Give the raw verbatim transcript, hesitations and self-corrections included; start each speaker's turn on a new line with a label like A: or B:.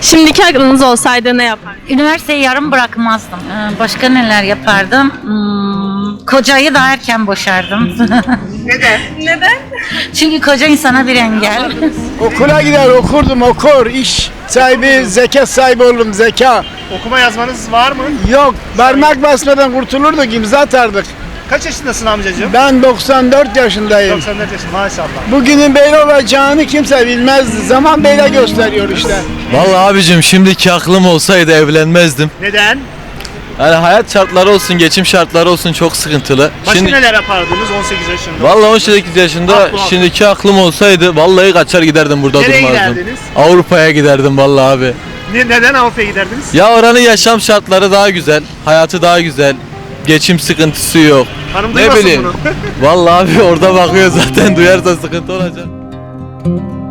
A: Şimdiki aklınız olsaydı ne yapardınız?
B: Üniversiteyi yarım bırakmazdım. Ee, Başka neler yapardım? Hmm, kocayı da erken boşardım.
A: Neden? Neden?
B: Çünkü koca insana bir engel.
C: Okula gider okurdum okur iş sahibi zeka sahibi oldum zeka.
D: Okuma yazmanız var mı?
C: Yok parmak basmadan kurtulurduk imza atardık.
D: Kaç yaşındasın amcacığım?
C: Ben doksan dört yaşındayım.
D: doksan dört yaşında maşallah.
C: Bugünün böyle olacağını kimse bilmezdi. Zaman böyle gösteriyor işte.
E: Vallahi abicim şimdiki aklım olsaydı evlenmezdim.
D: Neden?
E: Yani hayat şartları olsun, geçim şartları olsun çok sıkıntılı.
D: Başka
E: Şimdi
D: neler yapardınız on sekiz yaşında?
E: vallahi on sekiz yaşında
D: Aklı aklı.
E: şimdiki aklım olsaydı vallahi kaçar giderdim burada
D: Nereye
E: durmazdım.
D: giderdiniz?
E: Avrupa'ya giderdim vallahi abi.
D: Ne, neden Avrupa'ya giderdiniz?
E: Ya oranın yaşam şartları daha güzel, hayatı daha güzel. Geçim sıkıntısı yok.
D: Hanım
E: Ne
D: duymasın
E: bileyim.
D: bunu.
E: Vallahi abi orada bakıyor zaten duyarsa sıkıntı olacak.